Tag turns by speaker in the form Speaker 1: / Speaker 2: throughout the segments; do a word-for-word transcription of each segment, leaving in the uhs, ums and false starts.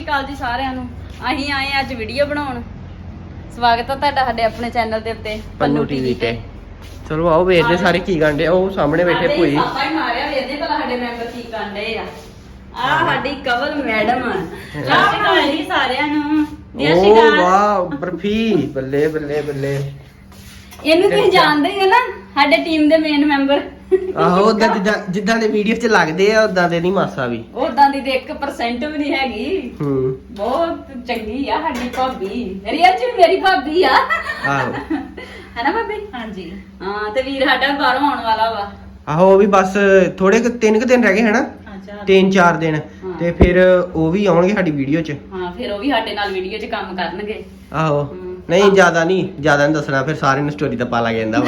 Speaker 1: ਕਾਲ ਜੀ ਸਾਰਿਆਂ ਨੂੰ। ਅਸੀਂ ਆਏ ਅੱਜ ਵੀਡੀਓ ਬਣਾਉਣ। ਸਵਾਗਤ ਹੈ ਤੁਹਾਡਾ ਸਾਡੇ ਆਪਣੇ ਚੈਨਲ ਦੇ ਉੱਤੇ
Speaker 2: ਪੰਨੂ ਟੀਵੀ ਤੇ। ਚਲੋ ਆਓ ਵੇਖਦੇ ਸਾਰੇ ਕੀ ਗਾਂਡੇ। ਉਹ ਸਾਹਮਣੇ ਬੈਠੇ ਭੂਈ।
Speaker 1: ਆਪਾਂ ਹੀ ਮਾਰਿਆ ਵੇਖਦੇ ਭਲਾ ਸਾਡੇ ਮੈਂਬਰ ਕੀ ਕਾਂਡੇ ਆ। ਆ ਸਾਡੀ ਕਵਲ ਮੈਡਮ ਆ। ਸਤਿ ਸ਼੍ਰੀ ਅਕਾਲ ਜੀ ਸਾਰਿਆਂ ਨੂੰ।
Speaker 2: ਓ ਵਾਹ ਬਰਫੀ ਬੱਲੇ ਬੱਲੇ ਬੱਲੇ।
Speaker 1: ਇਹਨੂੰ ਤੁਸੀਂ ਜਾਣਦੇ ਹੀ ਹੋ ਨਾ, ਸਾਡੇ ਟੀਮ ਦੇ ਮੇਨ ਮੈਂਬਰ।
Speaker 2: ਆਹੋ ਉਦਾਂ ਜਿੱਦਾਂ ਜਿੱਦਾਂ ਦੇ ਵੀਡੀਓ 'ਚ ਲੱਗਦੇ ਆ ਉਦਾਂ ਦੇ ਨਹੀਂ ਮਾਸਾ ਵੀ।
Speaker 1: ਉਦਾਂ ਦੀ ਤੇ ਇੱਕ ਪਰਸੈਂਟ ਵੀ ਨਹੀਂ ਹੈਗੀ।
Speaker 2: ਹੂੰ
Speaker 1: ਬਹੁਤ ਚੰਗੀ ਆ ਸਾਡੀ ਭਾਬੀ। ਰੀਅਲ ਚ ਮੇਰੀ ਭਾਬੀ ਆ।
Speaker 2: ਆਹੋ
Speaker 1: ਹੈਨਾ ਭਾਬੀ? ਹਾਂਜੀ ਹਾਂ। ਤੇ ਵੀਰ ਸਾਡਾ ਬਾਹਰੋਂ ਆਉਣ ਵਾਲਾ ਵਾ।
Speaker 2: ਆਹੋ ਉਹ ਵੀ ਬਸ ਥੋੜੇ ਕੁ ਤਿੰਨ ਕੁ ਦਿਨ ਰਹਿ ਗਏ ਹਨਾ। ਤਿੰਨ ਚਾਰ ਦਿਨ ਤੇ ਫਿਰ ਉਹ ਵੀ ਆਉਣਗੇ ਸਾਡੀ ਵੀਡੀਓ 'ਚ।
Speaker 1: ਹਾਂ ਫਿਰ ਉਹ ਵੀ ਸਾਡੇ ਨਾਲ ਵੀਡੀਓ 'ਚ ਕੰਮ ਕਰਨਗੇ।
Speaker 2: ਆਹੋ ਨਹੀਂ ਜ਼ਿਆਦਾ ਨਹੀਂ ਜ਼ਿਆਦਾ ਨਹੀਂ ਦੱਸਣਾ, ਫਿਰ ਸਾਰਿਆਂ ਨੂੰ ਸਟੋਰੀ ਤਾਂ ਪਾ ਲੱਗ ਜਾਂਦਾ ਵਾ।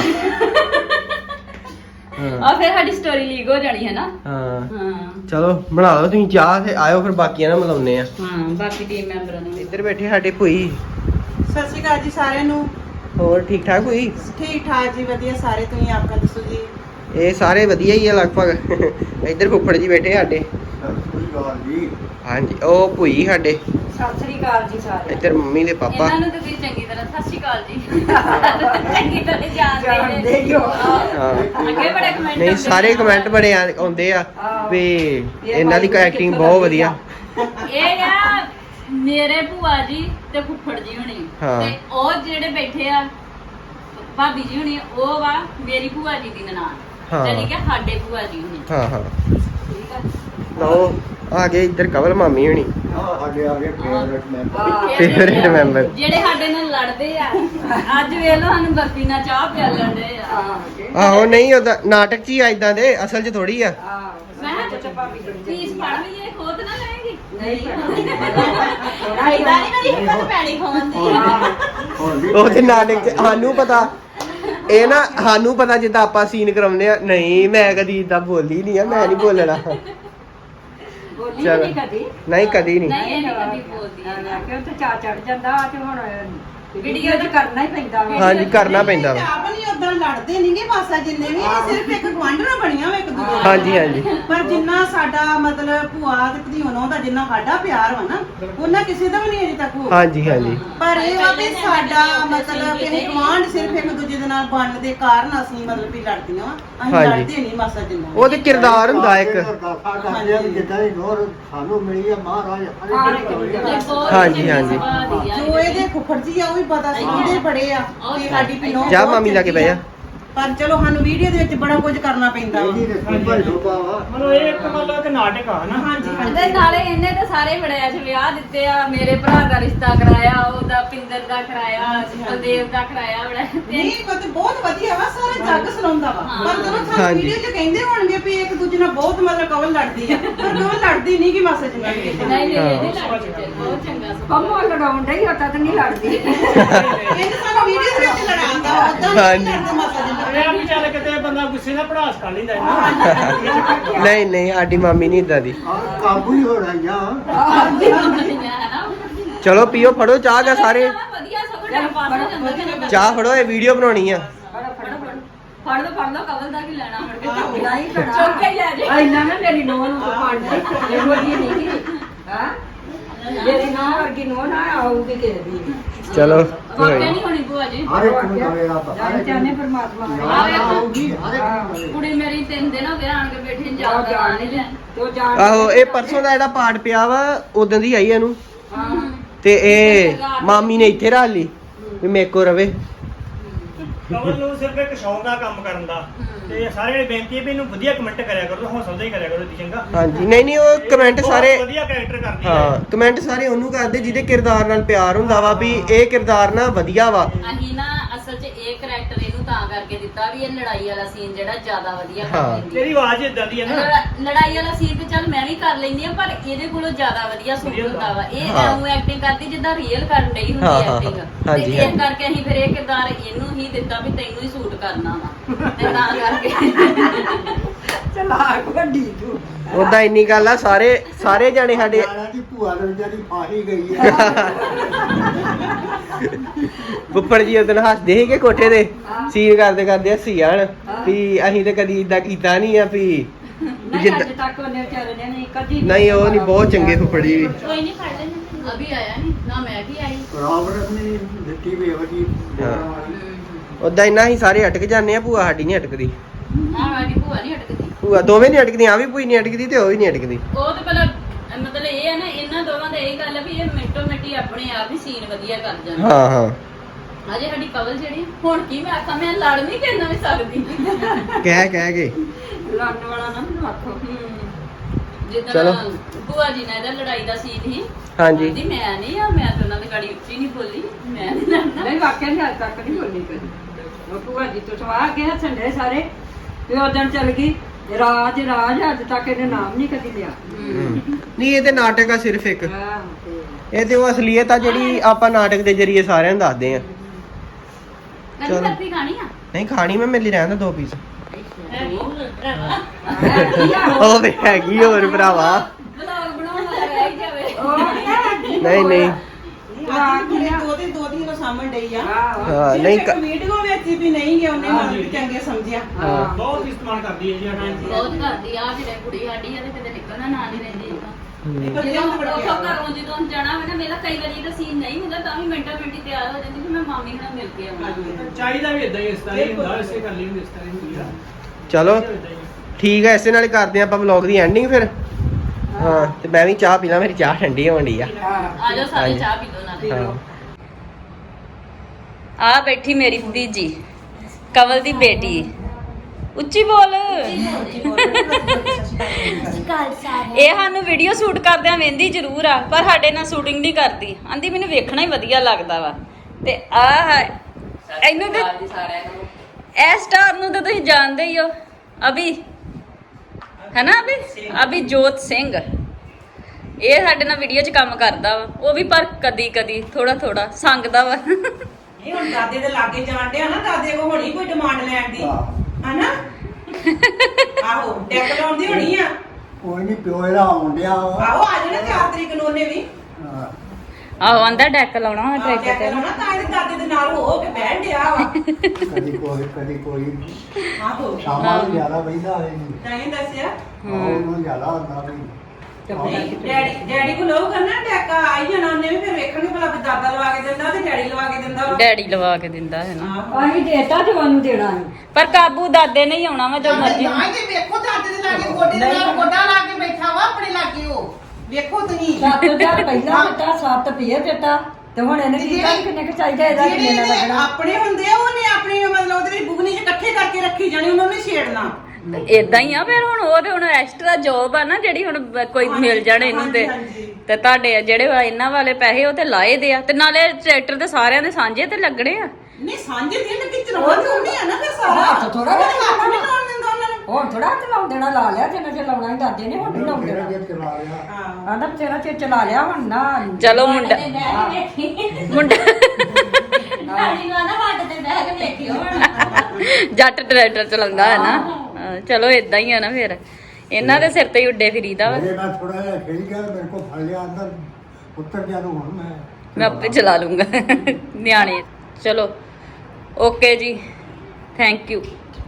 Speaker 1: ਆ ਫਿਰ ਸਾਡੀ ਸਟੋਰੀ ਲੀਕ ਹੋ ਜਾਣੀ ਹੈ ਨਾ।
Speaker 2: ਹਾਂ
Speaker 1: ਹਾਂ
Speaker 2: ਚਲੋ ਬਣਾ ਲਓ ਤੁਸੀਂ ਚਾਹ ਤੇ ਆਇਓ, ਫਿਰ ਬਾਕੀਆਂ ਨਾਲ ਮਿਲਾਉਂਦੇ ਆ।
Speaker 1: ਹਾਂ ਬਾਕੀ ਟੀਮ ਮੈਂਬਰਾਂ ਨੂੰ।
Speaker 2: ਇੱਧਰ ਬੈਠੇ ਸਾਡੇ ਭੂਈ।
Speaker 3: ਸਤਿ ਸ਼੍ਰੀ ਅਕਾਲ ਜੀ ਸਾਰਿਆਂ ਨੂੰ।
Speaker 2: ਹੋਰ ਠੀਕ ਠਾਕ ਭੂਈ?
Speaker 3: ਠੀਕ ਠਾਕ ਜੀ, ਵਧੀਆ ਸਾਰੇ। ਤੁਸੀਂ ਆਪਣਾ ਦੱਸੋ ਜੀ?
Speaker 2: ਇਹ ਸਾਰੇ ਵਧੀਆ ਹੀ ਆ ਲਗਭਗ। ਇੱਧਰ ਫੁੱਫੜ ਜੀ ਬੈਠੇ ਸਾਡੇ। ਹਾਂਜੀ ਉਹ ਭੂਈ ਸਾਡੇ।
Speaker 1: ਸਤਿ ਸ੍ਰੀ ਅਕਾਲ ਜੀ ਸਾਰੇ।
Speaker 2: ਇੱਧਰ ਮੰਮੀ ਦੇ ਪਾਪਾ।
Speaker 1: ਇਹਨਾਂ ਨੂੰ ਤਾਂ ਤੁਸੀਂ ਚੰਗੀ ਤਰ੍ਹਾਂ ਸਤਿ ਸ੍ਰੀ ਅਕਾਲ ਜੀ ਚੰਗੀ ਤਰ੍ਹਾਂ ਜਾਣਦੇ
Speaker 3: ਹੀ ਹੋ।
Speaker 2: ਹਾਂ
Speaker 1: ਅੱਗੇ ਬੜੇ ਕਮੈਂਟ
Speaker 2: ਨਹੀਂ ਸਾਰੇ ਕਮੈਂਟ ਬੜੇ ਆ- ਆਉਂਦੇ ਆ ਵੀ ਇਹਨਾਂ ਦੀ ਐਕਟਿੰਗ ਬਹੁਤ ਵਧੀਆ।
Speaker 1: ਇਹ ਆ ਮੇਰੇ ਭੂਆ ਜੀ ਤੇ ਫੁੱਫੜ ਜੀ ਹੁਣੀ।
Speaker 2: ਹਾਂ।
Speaker 1: ਤੇ ਉਹ ਜਿਹੜੇ ਬੈਠੇ ਆ ਭਾਬੀ ਜੀ ਹੁਣੀ, ਉਹ ਵਾ ਮੇਰੀ ਭੂਆ ਜੀ ਦੀ ਨਨਾਣ।
Speaker 2: ਹਾਂ।
Speaker 1: ਜਾਨੀ ਕਿ ਸਾਡੇ ਭੂਆ ਜੀ ਹੁਣੀ।
Speaker 2: ਹਾਂ ਹਾਂ
Speaker 1: ਠੀਕ ਆ।
Speaker 2: ਲਓ ਆ ਗਏ ਇੱਧਰ ਕਵਲ ਮਾਮੀ ਹੁਣੀ।
Speaker 4: ਆਗੇ ਆਗੇ ਫੇਵਰਟ ਮੈਂਬਰ।
Speaker 2: ਫੇਵਰੇਟ ਮੈਂਬਰ
Speaker 1: ਜਿਹੜੇ ਸਾਡੇ ਨਾਲ ਲੜਦੇ ਆ। ਅੱਜ ਵੇਖ ਲਓ ਸਾਨੂੰ ਬਰਫੀ ਨਾਲ ਚਾਹ ਪਿਆਲਣ ਦੇ ਆ।
Speaker 2: ਆਹੋ ਨਹੀਂ ਉਹਦਾ ਨਾਟਕ 'ਚ ਹੀ ਆ ਇਦਾਂ ਦੇ, ਅਸਲ 'ਚ ਥੋੜੀ ਆ।
Speaker 1: ਮੈਂ ਕਿਹਾ ਫੀਸ ਪੜ ਵੀ ਇਹ ਖੋਤ ਨਾ ਲੈਣਗੀ।
Speaker 3: ਨਹੀਂ
Speaker 1: ਆਈਦਾ ਨਹੀਂ ਮੇਰੀ ਹਿੰਮਤ ਪੈਣੀ ਖਾਣ ਦੀ।
Speaker 2: ਉਹਦੇ ਨਾਟਕ 'ਚ ਸਾਨੂੰ ਪਤਾ, ਇਹ ਨਾ ਸਾਨੂੰ ਪਤਾ ਜਿੱਦਾਂ ਆਪਾਂ ਸੀਨ ਕਰਾਉਂਦੇ ਆ। ਨਹੀਂ ਮੈਂ ਕਦੀ ਇਦਾਂ ਬੋਲੀ ਨਹੀਂ ਆ, ਮੈਂ ਨਹੀਂ ਬੋਲਣਾ।
Speaker 3: ਬੋਲੀ
Speaker 2: ਚਲੋ।
Speaker 3: ਨਹੀਂ ਕਦੀ।
Speaker 2: ਨਹੀਂ ਕਦੀ ਨਹੀਂ।
Speaker 1: ਨਹੀਂ ਇਹ ਨਹੀਂ ਕਦੀ ਬੋਲਦੀ।
Speaker 3: ਕਿਉਂ ਤੇ ਚਾ ਚੜ ਜਾਂਦਾ ਤੇ ਹੁਣ ਵੀਡੀਓ ਤੇ ਕਰਨਾ ਹੀ ਪੈਂਦਾ ਵਾ।
Speaker 2: ਹਾਂਜੀ ਕਰਨਾ ਪੈਂਦਾ ਵਾ।
Speaker 3: ਆਪ ਨਹੀਂ ਉਦਾਂ ਲੜਦੇ ਨਹੀਂਗੇ ਮਾਸਾ ਜਿੰਨੇ ਵੀ। ਇਹ ਸਿਰਫ ਇੱਕ ਗਵਾਂਢਣਾ ਬਣੀਆਂ ਵਾ ਇੱਕ ਦੂਜੇ ਨਾਲ।
Speaker 2: ਹਾਂਜੀ ਹਾਂਜੀ
Speaker 3: ਪਰ ਜਿੰਨਾ ਸਾਡਾ ਮਤਲਬ ਭੂਆ ਤੇ ਭਦੀਓਂ ਦਾ ਜਿੰਨਾ ਸਾਡਾ ਪਿਆਰ ਵਾ ਨਾ, ਉਹਨਾਂ ਕਿਸੇ ਦਾ ਵੀ ਨਹੀਂ ਅਜੇ ਤੱਕ ਹੋਇਆ।
Speaker 2: ਹਾਂਜੀ ਹਾਂਜੀ
Speaker 3: ਪਰ ਇਹ ਵਾ ਵੀ ਸਾਡਾ ਮਤਲਬ ਕਿ ਅਸੀਂ ਗਵਾਂਢ ਸਿਰਫ ਇੱਕ ਦੂਜੇ ਦੇ ਨਾਲ ਬਣਨ ਦੇ ਕਾਰਨ ਅਸੀਂ ਮਤਲਬ ਵੀ ਲੜਦੀਆਂ ਵਾ। ਅਸੀਂ
Speaker 2: ਹਾਂਜੀ।
Speaker 3: ਲੜਦੇ ਨਹੀਂ ਮਾਸਾ ਜਿੰਨਾ।
Speaker 2: ਉਹ ਤੇ ਕਿਰਦਾਰ ਹੁੰਦਾ ਇੱਕ।
Speaker 4: ਜਿੱਦਾਂ ਦੀ ਨੋਰ ਸਾਨੂੰ ਮਿਲੀ ਆ ਮਹਾਰਾਜ
Speaker 2: ਹਾਂਜੀ, ਹਾਂਜੀ।
Speaker 3: ਜੋ ਇਹਦੇ ਫੁੱਫੜ ਜੀ ਆ ਉਹ ਵੀ ਪਤਾ ਸੀ ਕਿਹਦੇ ਬੜੇ ਆ ਕਿ ਸਾਡੀ ਪਿੰਨੋਂ
Speaker 2: ਜਾ ਮਾਮੀ ਲਾ ਕੇ ਬਹਿ ਜਾ।
Speaker 3: ਪਰ ਚਲੋ ਸਾਨੂੰ ਵੀਡੀਓ ਦੇ ਵਿੱਚ ਬੜਾ ਕੁਝ ਕਰਨਾ ਪੈਂਦਾ ਵਾ।
Speaker 4: ਇਹਦੀ ਤੇ ਸੁਪਰ ਡੋਬਾ ਵਾ।
Speaker 5: ਮਤਲਬ ਇਹ ਇੱਕ ਮਤਲਬ ਕਿ ਨਾਟਕ ਆ ਨਾ।
Speaker 3: ਹਾਂਜੀ
Speaker 1: ਤੇ
Speaker 3: ਹਾਂਜੀ।
Speaker 1: ਨਾਲੇ ਇਹਨੇ ਤਾਂ ਸਾਰੇ ਬੜੇ ਐਸੇ ਵਿਆਹ ਦਿੱਤੇ ਆ। ਮੇਰੇ ਭਰਾ ਦਾ ਰਿਸ਼ਤਾ ਕਰਾਇਆ, ਉਹਦਾ ਪਿੰਦਰ ਦਾ ਕਰਾਇਆ, ਬਲਦੇਵ ਦਾ ਕਰਾਇਆ। ਬੜਾ
Speaker 3: ਨਹੀਂ ਪਤਾ ਬਹੁਤ ਵਧੀਆ ਵਾ, ਸਾਰਾ ਜੱਗ ਸੁਣਾਉਂਦਾ ਵਾ। ਪਰ ਜਦੋਂ ਸਾਨੂੰ
Speaker 2: ਹਾਂਜੀ।
Speaker 3: ਵੀਡੀਓ 'ਚ ਕਹਿੰਦੇ ਹੋਣਗੇ ਵੀ ਇੱਕ ਦੂਜੇ ਨਾਲ ਬਹੁਤ ਮਤਲਬ ਕਵਲ ਲੜਦੀ ਆ, ਪਰ ਕਵਲ ਲੜਦੀ ਨਹੀਂ ਕਿ ਮਾਸਾ ਜਿੰਨਾ ਵੀ ਕਿਤੇ।
Speaker 1: ਨਹੀਂ ਨਹੀਂ ਇਹ ਨਹੀਂ ਲੜਦੀ। ਬਹੁਤ ਚੰਗਾ ਸੁਭਾਅ।
Speaker 3: ਕੰਮੋਂ ਲੜਾਉਣ ਡਈ ਹੁੰਦਾ ਤਾਂ ਨਹੀਂ ਲੜਦੀ। ਇਹ ਸਾਨੂੰ ਵੀਡੀਓ ਦੇ ਵਿੱਚ ਲੜਾਉਂਦਾ ਵਾ, ਉਦਾਂ
Speaker 2: ਹਾਂਜੀ।
Speaker 3: ਨਹੀਂ ਲੜਦਾ ਮਾਸਾ ਜਿੰਨਾ।
Speaker 5: ਇਹ ਆ ਵੀ ਚੱਲ ਕਿਤੇ ਬੰਦਾ ਗੁੱਸੇ ਨਾਲ ਪੜਾਸ ਕਰ ਲੈਂਦਾ ਹੈ ਨਾ।
Speaker 2: ਨਹੀਂ ਨਹੀਂ ਸਾਡੀ ਮਾਮੀ ਨਹੀਂ ਇਦਾਂ ਦੀ।
Speaker 4: ਆ ਕਾਬੂ ਹੀ ਹੋਣਾ ਜਾਂ
Speaker 2: ਚਲੋ ਪੀਓ, ਫੜੋ ਚਾਹ ਜਾਂ ਸਾਰੇ।
Speaker 1: ਵਧੀਆ ਸਭ ਟਾਈਮ ਪਾਸ ਹੋ ਜਾਂਦਾ।
Speaker 2: ਚਾਹ ਫੜੋ, ਇਹ ਵੀਡੀਓ ਬਣਾਉਣੀ ਆ।
Speaker 1: ਫੜ ਲਓ ਫੜ ਲਓ ਕਵਲ ਦਾ ਕੀ ਲੈਣਾ ਮੁੜ ਕੇ ਚੁੱਕ
Speaker 3: ਨਹੀਂ
Speaker 1: ਚੁੱਕ ਕੇ ਹੀ ਲੈ ਜਾ।
Speaker 3: ਇੰਨਾ ਨਾ ਮੇਰੀ ਨੋਹ ਨੂੰ ਪਾੜਦਾ ਇਹੋ ਜੀ ਨਹੀਂ ਹਾਂ ਮੇਰੀ ਨੋਹ ਵਰਗੀ ਨੋਹ ਨਾ ਆਊਗੀ ਕਿਸੇ ਦੀ।
Speaker 2: ਚਲੋ
Speaker 1: ਵਾਕਿਆ ਨਹੀਂ ਹੋਣੀ ਭੂਆ ਜੀ।
Speaker 4: ਹਰ ਇੱਕ ਨੂੰ ਨਵੇਂ ਆ ਪਤਾ
Speaker 3: ਜਾਣੇ ਚਾਹਨੇ ਪਰਮਾਤਮਾ
Speaker 1: ਆ ਵੇਖੋ,
Speaker 4: ਆਊਗੀ ਹਰ ਇੱਕ ਨੂੰ ਨਵੇਂ।
Speaker 1: ਕੁੜੀ ਮੇਰੀ ਤਿੰਨ ਦਿਨ ਹੋ ਗਏ ਆਣ ਕੇ ਬੈਠੀ ਨੂੰ ਜਾਣ ਦਾ ਨਾਂ ਨਹੀਂ ਲੈ।
Speaker 3: ਤੋ ਜਾਣ
Speaker 2: ਆਹੋ ਇਹ ਪਰਸੋਂ ਦਾ ਜਿਹੜਾ ਪਾਠ ਪਿਆ ਵਾ ਉਦੋਂ ਦੀ ਆਈ ਇਹਨੂੰ।
Speaker 1: ਹਾਂ
Speaker 2: ਤੇ ਇਹ ਮਾਮੀ ਨੇ ਇੱਥੇ ਰੱਖ ਲਈ ਵੀ ਮੇਰੇ ਕੋ ਰਵੇ।
Speaker 5: ਕਵਲ ਨੂੰ ਸਿਰਫ ਇੱਕ ਸ਼ੌਂਕ ਦਾ ਕੰਮ ਕਰਨ ਦਾ। ਤੇ ਸਾਰਿਆਂ ਨੂੰ ਬੇਨਤੀ ਹੈ ਵੀ ਇਹਨੂੰ ਵਧੀਆ ਕਮੈਂਟ ਕਰਿਆ ਕਰੋ, ਹੌਸਲਾ ਹੀ ਕਰਿਆ ਕਰੋ ਜੀ ਚੰਗਾ।
Speaker 2: ਹਾਂਜੀ ਨਹੀਂ ਨਹੀਂ ਉਹ ਕਮੈਂਟ
Speaker 5: ਬਹੁਤ
Speaker 2: ਸਾਰੇ
Speaker 5: ਵਧੀਆ ਕੈਰੈਕਟਰ ਕਰਦੀ ਹੈ।
Speaker 2: ਹਾਂ ਕਮੈਂਟ ਸਾਰੇ ਉਹਨੂੰ ਕਰਦੇ ਜਿਹਦੇ ਕਿਰਦਾਰ ਨਾਲ ਪਿਆਰ ਹੁੰਦਾ ਵਾ ਵੀ ਇਹ ਕਿਰਦਾਰ ਨਾ ਵਧੀਆ ਵਾ।
Speaker 1: ਅਸੀਂ ਨਾ ਅਸਲ 'ਚ ਇਹ ਕਰੈਕਟਰ ਇਹਨੂੰ ਤਾਂ ਕਰਕੇ ਦਿੱਤਾ ਵੀ ਇਹ ਲੜਾਈ ਵਾਲਾ ਸੀਨ ਜਿਹੜਾ ਜ਼ਿਆਦਾ ਵਧੀਆ
Speaker 2: ਹਾਂ।
Speaker 1: ਕਰ ਲੈਂਦੀ
Speaker 5: ਤੇਰੀ ਆਵਾਜ਼ ਇਦਾਂ ਦੀ ਹੈ ਨਾ।
Speaker 1: ਲੜਾ- ਲੜਾਈ ਵਾਲਾ ਸੀਨ ਤੇ ਚੱਲ ਮੈਂ ਵੀ ਕਰ ਲੈਂਦੀ ਆ, ਪਰ ਇਹਦੇ ਕੋਲੋਂ ਜ਼ਿਆਦਾ ਵਧੀਆ ਸੂਟ ਹੁੰਦਾ ਵਾ। ਇਹ
Speaker 2: ਹਾਂ।
Speaker 1: ਐਵੇਂ ਐਕਟਿੰਗ ਕਰਦੀ ਜਿੱਦਾਂ ਰੀਅਲ ਕਰਨ ਡਈ ਹੁੰਦੀ
Speaker 2: ਹਾਂ, ਹਾਂ,
Speaker 1: ਐਕਟਿੰਗ।
Speaker 2: ਹਾਂਜੀ,
Speaker 1: ਤੇ ਇਸ
Speaker 2: ਹਾਂਜੀ।
Speaker 1: ਕਰਕੇ ਅਸੀਂ ਫਿਰ ਇਹ ਕਿਰਦਾਰ ਇਹਨੂੰ ਹੀ ਦਿੱਤਾ ਵੀ ਤੈਨੂੰ ਹੀ ਸੂਟ ਕਰਨਾ ਵਾ। ਤੇ ਤਾਂ ਕਰਕੇ
Speaker 3: ਚਲਾਕ ਵੱਡੀ ਤੂੰ।
Speaker 2: ਉਦਾਂ ਇੰਨੀ ਗੱਲ ਆ, ਸਾਰੇ ਸਾਰੇ ਜਾਣੇ ਸਾਡੇ
Speaker 4: ਨਿਆਣਿਆਂ ਦੀ ਭੂਆ ਨੂੰ ਜਿਹੜੀ ਫਾਹੀ ਗਈ ਹੈ।
Speaker 2: ਫੁੱਫੜ ਜੀ ਉਦੋਂ ਹੱਸਦੇ ਸੀਗੇ ਕੋਠੇ ਤੇ ਸੀਨ ਕਰਦੇ ਕਰਦੇ ਹੱਸੀ ਜਾਣ ਵੀ ਅਸੀਂ ਤੇ ਕਦੀ ਇਦਾਂ ਕੀਤਾ ਨਹੀਂ ਆ ਵੀ
Speaker 3: ਨਹੀਂ
Speaker 2: ਜਿੱਦ-
Speaker 3: ਅੱਜ ਤੱਕ ਉਹਨੇ ਵਿਚਾਰੇ ਨੇ ਨਹੀਂ ਕਦੀ
Speaker 2: ਨਹੀਂ ਉਹ ਨਹੀਂ ਬਹੁਤ ਚੰਗੇ ਫੁੱਫੜ ਜੀ ਵੀ
Speaker 1: ਕੋਈ ਨਹੀਂ ਫੜ ਲੈਂਦੇ ਅਭੀ ਆਇਆ ਨਹੀਂ ਨਾ ਮੈਂ ਵੀ ਆਈ
Speaker 4: ਰਾਵਰਤ ਨੇ ਦਿੱਤੀ ਵੀ ਵਜੀ
Speaker 2: ਹਾਂ। ਉਦਾਂ ਇੰਨਾ ਹੀ ਸਾਰੇ ਅਟਕ ਜਾਂਦੇ ਆ ਭੂਆ ਸਾਡੀ ਨਹੀਂ ਅਟਕਦੀ
Speaker 1: ਆ ਸਾਡੀ ਭੂਆ ਨਹੀਂ ਅਟਕਦੀ
Speaker 2: ਭੂਆ ਦੋਵੇਂ ਨਹੀਂ ਅਟਕਦੀਆਂ ਆ ਵੀ ਭੂਈ ਨਹੀਂ ਅਟਕਦੀ ਤੇ ਉਹ ਵੀ ਨਹੀਂ ਅਟਕਦੀ
Speaker 1: ਉਹ ਤੇ ਪਹਿਲਾਂ ਅਹ ਮਤਲਬ ਇਹ ਹੈ ਨਾ ਇਹਨਾਂ ਦੋਵਾਂ ਦਾ ਇਹ ਗੱਲ ਹੈ ਵੀ ਇਹ ਮਿੰਟੋ ਮਿੰਟੀ ਆਪਣੇ ਆਪ ਹੀ ਸੀਨ ਵਧੀਆ ਕਰ ਜਾਂਦੇ
Speaker 2: ਹਾਂ ਹਾਂ
Speaker 1: ਅਜੇ ਸਾਡੀ ਕਵਲ ਜਿਹੜੀ ਹੁਣ ਕੀ ਮੈਂ ਆਖਾਂ ਮੈਂ ਲੜ ਨਹੀਂ ਕਹਿਣਾ ਵੀ ਸਕਦੀ
Speaker 2: ਕਹਿ ਕਹਿ ਕੇ
Speaker 3: ਲੜਨ ਵਾਲਾ ਨਾ ਮੈਨੂੰ ਆਖੋ
Speaker 1: ਜਿੱਦਾਂ
Speaker 2: ਚਲੋ।
Speaker 1: ਭੂਆ ਜੀ ਨਾਲ ਇਹਦਾ ਲੜਾਈ ਦਾ ਸੀਨ ਸੀ
Speaker 2: ਹਾਂਜੀ
Speaker 1: ਕਹਿੰਦੀ ਮੈਂ ਨਹੀਂ ਆ ਮੈਂ ਤੇ ਉਹਨਾਂ ਦੀ ਗਾੜੀ ਉੱਚੀ ਨਹੀਂ ਬੋਲੀ ਮੈਂ ਨਹੀਂ ਲੜਨਾ
Speaker 3: ਨਹੀਂ ਵਾਕਿਆ ਨਹੀਂ ਅੱਜ ਤੱਕ ਨਹੀਂ ਬੋਲੀ ਕਦੀ ਉਹ ਭੂਆ ਜੀ ਤੋਂ ਸਵਾਹ ਕੇ ਹੱਸਣ ਦੇ ਸਾਰੇ ਤੇ ਉਹ ਦਿਨ ਚੱਲ ਗਈ ਰਾਜ ਰਾਜ ਅੱਜ ਤੱਕ ਇਹਨੇ ਨਾਮ ਨਹੀਂ ਕਦੀ ਲਿਆ
Speaker 2: ਹਮ। ਨਹੀਂ ਇਹ ਤੇ ਨਾਟਕ ਆ ਸਿਰਫ ਇੱਕ
Speaker 3: ਹਾਂ
Speaker 2: ਇਹ ਤੇ ਉਹ ਅਸਲੀਅਤ ਆ ਜਿਹੜੀ ਆਪਾਂ ਨਾਟਕ ਦੇ ਜ਼ਰੀਏ ਸਾਰਿਆਂ ਨੂੰ ਦੱਸਦੇ ਆ
Speaker 1: ਕਹਿੰਦੀ
Speaker 2: ਚਲੋ।
Speaker 1: ਬਰਫੀ ਖਾਣੀ ਆ
Speaker 2: ਨਹੀਂ ਖਾਣੀ ਮੈਂ ਮੇਲੀ ਰਹਿਣ ਦਾ ਦੋ ਪੀਸ
Speaker 3: ਉਹ
Speaker 2: ਉਹ ਤੇ ਹੈਗੀ ਹੋਰ ਭਰਾਵਾ
Speaker 1: ਵਲੌਗ ਬਣਾਉਣ ਵਾਲਾ ਰਹਿ ਜਾਵੇ
Speaker 2: ਨਹੀਂ ਨਹੀਂ
Speaker 6: ਦੋ ਦਿਨ ਦੋ ਦਿਨ ਤੋਂ ਸਾਹਮਣ ਡਈ ਆ
Speaker 2: ਹਾਂ ਨਹੀਂ ਕ-
Speaker 6: ਵੀਡੀਓ ਵਿੱਚ ਵੀ ਨਹੀਂ ਗਿਆ ਉਹਨੇ ਮਨ ਚੰਗੇ ਸਮਝਿਆ
Speaker 2: ਹਾਂ
Speaker 5: ਬਹੁਤ ਇਸਤੇਮਾਲ ਕਰਦੀ ਹੈ ਜੀ ਸਾਡੀ
Speaker 1: ਬਹੁਤ ਕਰਦੀ ਆ ਜਿਹੜੇ ਕੁੜੀ ਸਾਡੀ ਆ ਤੇ ਕਿਤੇ ਨਿਕਲਣਾ ਨਾ ਨਹੀਂ ਰਹਿੰਦੀ ਏਦਾਂ।
Speaker 2: ਹਮ।
Speaker 6: ਵਧੀਆ
Speaker 1: ਜਦੋਂ
Speaker 6: ਬੜਾ
Speaker 1: ਉਹ
Speaker 6: ਪਿਆਰ
Speaker 1: ਘਰੋਂ ਜਦੋਂ ਜਾਣਾ ਹੋਵੇ ਨਾ ਮੇਰਾ ਕਈ ਵਾਰੀ ਇਹਦਾ ਸੀਨ ਨਹੀਂ ਹੁੰਦਾ ਤਾਂ ਵੀ ਮਿੰਟਾਂ ਮਿੰਟੀ ਤਿਆਰ ਹੋ ਜਾਂਦੀ ਕਿ ਮੈਂ ਮਾਮੀ ਨਾਲ ਮਿਲ ਕੇ ਆਵਾਂ
Speaker 5: ਚਾਹੀਦਾ ਵੀ ਇਦਾਂ ਹੀ ਇਸ ਤਰ੍ਹਾਂ ਹੀ ਹੁੰਦਾ ਇਸੇ ਕਰ ਲਈ ਹੁੰਦੀ ਇਸ ਤਰ੍ਹਾਂ ਹੀ ਹੁੰਦੀ ਆ
Speaker 2: ਚਲੋ ਠੀਕ ਹੈ ਇਸੇ ਨਾਲ ਹੀ ਕਰਦੇ ਆ ਆਪਾਂ ਵਲੌਗ ਦੀ ਐਂਡਿੰਗ ਫਿਰ ਹਾਂ ਤੇ ਮੈਂ ਵੀ ਚਾਹ ਪੀ ਲਾਂ ਮੇਰੀ ਚਾਹ ਠੰਡੀ ਹੋਣ ਡਈ ਆ
Speaker 1: ਆ ਜਾਓ ਸਾਰੇ
Speaker 2: ਹਾਂਜੀ।
Speaker 1: ਚਾਹ ਪੀ ਲਓ ਨਾਲੇ
Speaker 2: ਹਾਂ
Speaker 1: ਆ ਬੈਠੀ ਮੇਰੀ ਭਤੀਜੀ ਕਵਲ ਦੀ ਬੇਟੀ ਉੱਚੀ ਬੋਲ ਇਹ ਸਾਨੂੰ ਵੀਡੀਓ ਸ਼ੂਟ ਕਰਦਿਆਂ ਵੇਂਦੀ ਜ਼ਰੂਰ ਆ ਪਰ ਸਾਡੇ ਨਾਲ ਸ਼ੂਟਿੰਗ ਨਹੀਂ ਕਰਦੀ ਆਂਦੀ ਮੈਨੂੰ ਵੇਖਣਾ ਹੀ ਵਧੀਆ ਲੱਗਦਾ ਵਾ ਤੇ ਆ ਇਹਨੂੰ ਤੇ ਇਹ ਸਟਾਰ ਨੂੰ ਤਾਂ ਤੁਸੀਂ ਜਾਣਦੇ ਹੀ ਹੋ ਅਭੀ ਹੈ ਨਾ ਅਭੀ ਅਭੀ ਜੋਤ ਸਿੰਘ ਇਹ ਸਾਡੇ ਨਾਲ ਵੀਡੀਓ 'ਚ ਕੰਮ ਕਰਦਾ ਵਾ ਉਹ ਵੀ ਪਰ ਕਦੀ ਕਦੀ ਥੋੜਾ ਥੋੜਾ ਸੰਗਦਾ ਵਾ
Speaker 6: ਇਹ ਹੁਣ ਦਾਦੇ ਦੇ ਲਾਗੇ ਜਾਣ ਡਿਆ ਨਾ ਦਾਦੇ ਕੋ ਹੋਣੀ ਕੋਈ ਡਿਮਾਂਡ ਲੈਣ ਦੀ ਹਨਾ ਆਹੋ ਡੈਕ ਲਾਉਣ ਦੀ ਹੋਣੀ ਆ
Speaker 4: ਕੋਈ ਨਹੀਂ ਪਿਓ ਇਹਦਾ ਆਉਣ ਡਿਆ ਵਾ।
Speaker 6: ਆਹੋ ਆ ਜਾਣਾ ਚਾਰ ਤਰੀਕ ਨੂੰ ਉਹਨੇ ਵੀ
Speaker 4: ਹਾਂ।
Speaker 1: ਆਹੋ ਆਂਦਾ ਡੈਕ ਲਾਉਣਾ ਵਾ
Speaker 6: ਡੈਕ
Speaker 1: ਟਰੈਕਟਰ ਤੇ
Speaker 6: ਲਾਉਣਾ ਤਾਂ ਇਹਦੇ ਦਾਦੇ ਦੇ ਨਾਲ ਹੋ ਕੇ ਬਹਿਣ ਡਿਆ ਵਾ
Speaker 4: ਕਦੀ ਕੋਈ ਕਦੀ ਕੋਈ
Speaker 6: ਆਹੋ
Speaker 4: ਸ਼ਾਮਾਂ ਨੂੰ ਜ਼ਿਆਦਾ ਬਹਿੰਦਾ ਹੈ ਨਹੀਂ
Speaker 6: ਨਹੀਂ ਦੱਸਿਆ
Speaker 4: ਉਹਨੂੰ ਜ਼ਿਆਦਾ ਹੁੰਦਾ ਵੀ
Speaker 6: ਨਹੀਂ, ਡੈਡੀ ਡੈਡੀ ਕੋ ਲਊਗਾ ਨਾ ਡੈਕਾ ਆਈ ਜਾਣਾ ਉਹਨੇ ਵੀ ਫਿਰ ਵੇਖਣਗੇ ਭਲਾ ਵੀ ਦਾਦਾ ਲਵਾ ਕੇ ਦਿੰਦਾ ਤੇ ਡੈਡੀ ਲਵਾ ਕੇ ਦਿੰਦਾ ਵਾ।
Speaker 1: ਡੈਡੀ ਲਵਾ ਕੇ ਦਿੰਦਾ ਹੈ ਨਾ
Speaker 6: ਆਹੋ।
Speaker 3: ਅਸੀਂ ਦੇਤਾ ਜਵਾਨੂੰ ਦੇਣਾ ਹੈ
Speaker 1: ਪਰ ਕਾਬੂ ਦਾਦੇ ਨੇ ਹੀ ਆਉਣਾ ਵਾ ਜੋ ਮਰਜੀ
Speaker 6: ਨਾ ਤੇ ਵੇਖੋ ਦਾਦੇ ਦੇ ਲਾਗੇ ਗੋਡੇ ਦੇ ਨਾਲ ਗੋਡਾ ਲਾ ਕੇ ਬੈਠਾ ਵਾ ਆਪਣੇ ਲਾਗੇ ਉਹ ਵੇਖੋ ਤੁਸੀਂ
Speaker 3: ਸੱਤ ਹਜ਼ਾਰ ਪਹਿਲਾਂ ਦਿੱਤਾ ਸੱਤ ਪੀਏ ਦਿੱਤਾ ਤੇ ਹੁਣ ਇਹਨੇ ਕੀਤਾ ਵੀ ਕਿੰਨੇ ਕੁ ਚਾਹੀਦਾ ਇਹਦਾ ਕਿੰਨੇ ਦਾ
Speaker 6: ਜਿਹੜੇ
Speaker 3: ਲੱਗਣਾ
Speaker 6: ਆਪਣੇ ਹੁੰਦੇ ਆ ਉਹਨੇ ਆਪਣੀ ਮਤਲਬ ਉਹਦੇ ਵਿੱਚ ਬੁਗਨੀ ਚ ਇਕੱਠੇ ਕਰਕੇ ਰੱਖੀ ਜਾਣੀ ਉਹਨਾਂ ਨੇ ਛੇੜਨਾ
Speaker 1: ਇਦਾਂ ਹੀ ਆ ਫਿਰ ਹੁਣ ਉਹ ਤੇ ਹੁਣ ਐਕਸਟਰਾ ਜੌਬ ਆ ਨਾ ਜਿਹੜੀ ਹੁਣ ਬ- ਕੋਈ ਮਿਲ ਜਾਣ ਇਹਨੂੰ ਤੇ
Speaker 6: ਹਾਂਜੀ, ਹਾਂਜੀ।
Speaker 1: ਤੇ ਤੁਹਾਡੇ ਜਿਹੜੇ ਵਾ ਇਹਨਾਂ ਵਾਲੇ ਪੈਸੇ ਉਹ ਤੇ ਲਾਏ ਦੇ ਆ ਤੇ ਨਾਲੇ ਟਰੈਕਟਰ ਤੇ ਸਾਰਿਆਂ ਦੇ ਸਾਂਝੇ ਤੇ ਲੱਗਣੇ ਆ
Speaker 6: ਨਹੀਂ ਸਾਂਝੇ ਦੀ ਲੱਗੀ ਚਲਾਉਣ ਹੁੰਦੀ ਆ ਨਾ ਫਿਰ ਸਾਰਾ
Speaker 3: ਹੱਥ ਥੋੜ੍ਹਾ
Speaker 6: ਉਹਨੇ
Speaker 3: ਜਿਹਾ
Speaker 6: ਹੱਥ ਨਹੀਂ ਲਾਉਣ ਦਿੰਦਾ ਉਹਨਾਂ ਨੂੰ
Speaker 3: ਹੁਣ ਥੋੜਾ ਹੱਥ ਲਾਉਣ ਦੇਣਾ ਲਾ ਲਿਆ ਜਿੰਨਾ ਚਿਰ ਲਾਉਣਾ ਹੀ ਦਾਦੇ ਨੇ ਹੁਣ ਨਹੀਂ ਲਾਉਣ
Speaker 4: ਮੇਰਾ
Speaker 3: ਦੇਣਾ
Speaker 4: ਜੇ ਚਲਾ ਰਿਹਾ
Speaker 6: ਹਾਂ
Speaker 3: ਆਂਦਾ ਤੇਰਾ ਚਿਰ ਚਲਾ ਲਿਆ ਹੁਣ ਨਾ
Speaker 1: ਚਲੋ ਮੁੰਡਾ ਮੁੰਡਾ ਜੱਟ ਟਰੈਕਟਰ ਚਲਾਉਂਦਾ ਹੈ ਨਾ ਹਾਂ, ਚਲੋ ਇਦਾਂ ਹੀ ਆ ਨਾ ਫਿਰ ਇਹਨਾਂ ਦੇ ਸਿਰ ਤੇ ਹੀ ਉੱਡੇ ਫਿਰੀਦਾ ਵਾ
Speaker 4: ਮੇਰੇ ਨਾਲ ਥੋੜਾ ਜਿਹਾ ਖੇਡ ਗਿਆ ਮੇਰੇ ਕੋਲ ਫੜ ਲਿਆ ਅੰਦਰ ਉੱਤਰ ਗਿਆ ਨੂੰ ਹੁਣ ਮੈਂ
Speaker 1: ਮੈਂ ਆਪੇ ਚਲਾ ਲੂੰਗਾ ਨਿਆਣੇ ਚਲੋ ਓਕੇ ਜੀ ਥੈਂਕ ਯੂ